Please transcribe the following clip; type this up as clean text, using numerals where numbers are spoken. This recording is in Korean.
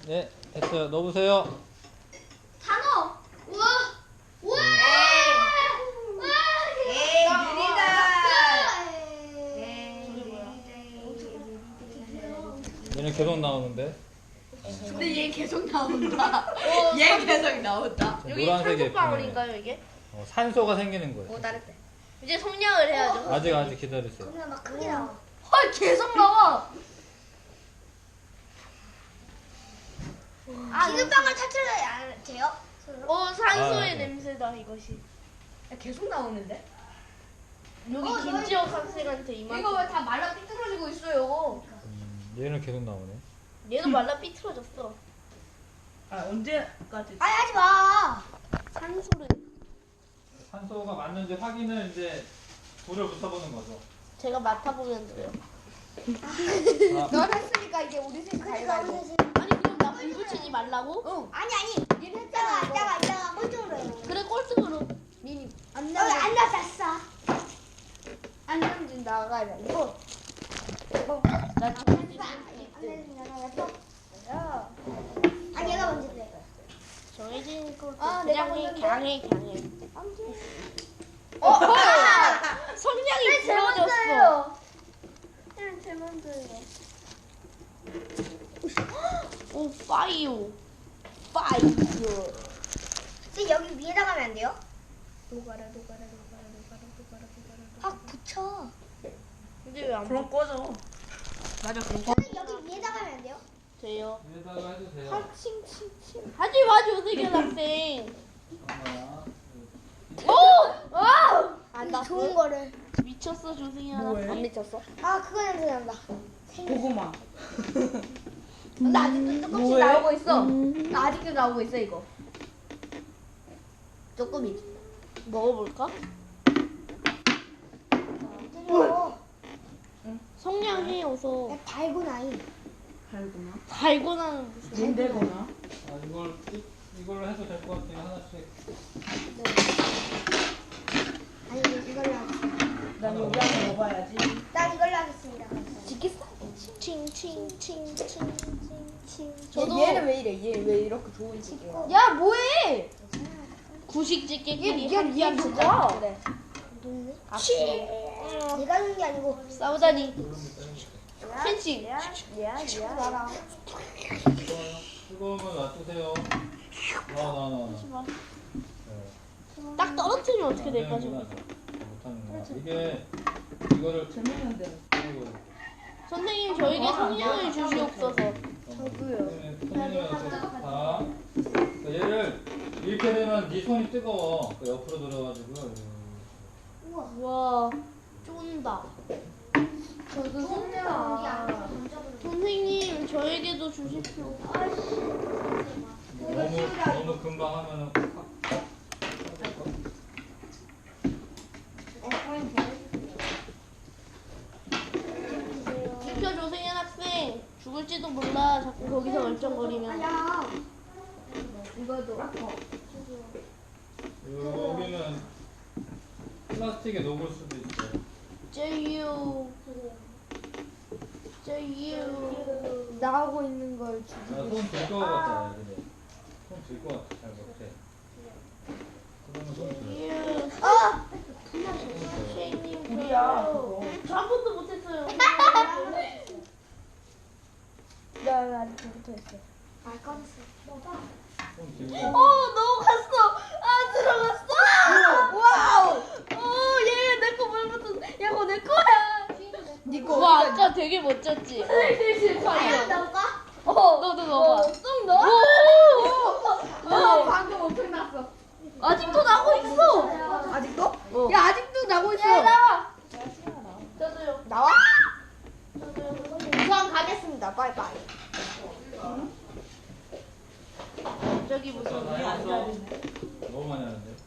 네, 됐어요. 넣어보세요. 단어. 우와. 우와. 에이, 느리다. 얘는 계속 나오는데. 근데 얘 계속 나온다. 얘 계속 나온다. 여기 노란색이 산소방울인가요 이게? 산소가 생기는 거예요. 다르대. 이제 성냥을 해야죠. 아직 기다리세요. 그냥 막 크게 나와. 헐, 계속 나와. 기름방울 탈출해야 돼요? 산소의 아, 네. 냄새다 이것이. 계속 나오는데? 여기 김지호 선생한테 이만. 이거 왜 다 말라 삐뚤어지고 있어요? 얘는 계속 나오네. 얘도 말라 삐뚤어졌어. 아 언제까지? 아니 하지 마. 산소를. 산소가 맞는지 확인을 이제 불을 붙여보는 거죠. 제가 맡아보면 돼요. 넌 했으니까 이제 우리 셋 그러니까 우리 가위바위보. 셋이. 아니 그럼 나 불 붙이지 말라고? 응. 아니 니는 이따가 꼴등으로 해. 그래 꼴등으로. 미니. 안 나갔어. 안 넘진 나가야 이거. 나 지금 아 얘가 먼저 돼. 정해진 꼴등. 아, 내가 그냥 해, 먼저인데. 그냥 해, 그냥 해. 성냥이 제 부러졌어. 먼저예요. 제 먼저예요. 오 파이어. 파이어. 지금 여기 위에다 가면 안 돼요? 아 붙여. 근데 왜 안 그럼 꺼져. 맞아, 그럼. 저는 여기 위에다 가면 안 돼요? 돼요? 위에다가 해도 돼요. 하지 마 조세현 학생. 안 나. 좋은 거를. 미쳤어 조세현 뭐해? 학생. 안 미쳤어? 아 그거 냄새 난다. 고구마. 나 아직도 조금씩 뭐해? 나오고 있어. 나 아직도 나오고 있어, 이거. 조금이지. 먹어볼까? 때려. 성냥해 어서. 야 달고 나이. 달구나. 달고나는 무슨. 문대거나. 이걸로 해도 될 것 같아요. 하나씩. 아니 이걸로 하겠습니다. 난 여기 안에 먹어야지. 난 이걸로 하겠습니다. 지겠어? 칭칭칭칭칭칭. 얘는 왜 이래? 얘 왜 이렇게 좋은 식이야? 야 뭐해? 구식집게끼리 얘 누가? 그래. 내가 하는 게 아니고 싸우다니. 펜싱. 나랑. 뜨거우면 놔두세요. 나. 딱 떨어뜨리면 어떻게 될까 저거. 못하는구나. 이거를 재밌는데. 선생님 저에게 성냥을 주시옵소서. 자, 얘를 이렇게 되면 네 손이 뜨거워. 옆으로 들어가지고. 와 쫀다. 저도 선생님 저에게도 주십시오. 너무 금방 하면은 지켜줘 세현 학생. 죽을지도 몰라. 자꾸 거기서 얼쩡거리면. 야. 이거도. 여기는 플라스틱에 녹을 수도 있어요. 제유. 제유. 나오고 있는 걸 주지. 손들것 같아. 손들것 같아. 잘 못해. 그러면 손 들어. 제유. 선생님 우리야. 저요. 저 한 번도 못했어요. 나 아직 못했어. 아 꺼졌어. 먹어. 손 들고. 넘어갔어. 아 들어갔어. 와우. 얘내거 물 붙었어. 야 그거 내 거야. 니꺼. 와 아까 되게 멋졌지. 과연 넣을까? 너도 넣어봐. 쏙 넣어? 오. 방금 엄청 났어. 아직도 나고 있어. 아직도? 어. 야, 아직도 나고 있어. 나와. 저도요. 나와? 저도요. 우선 가겠습니다. 빠이빠이. 저기 무슨 다 했어? 너무 많이 하는데.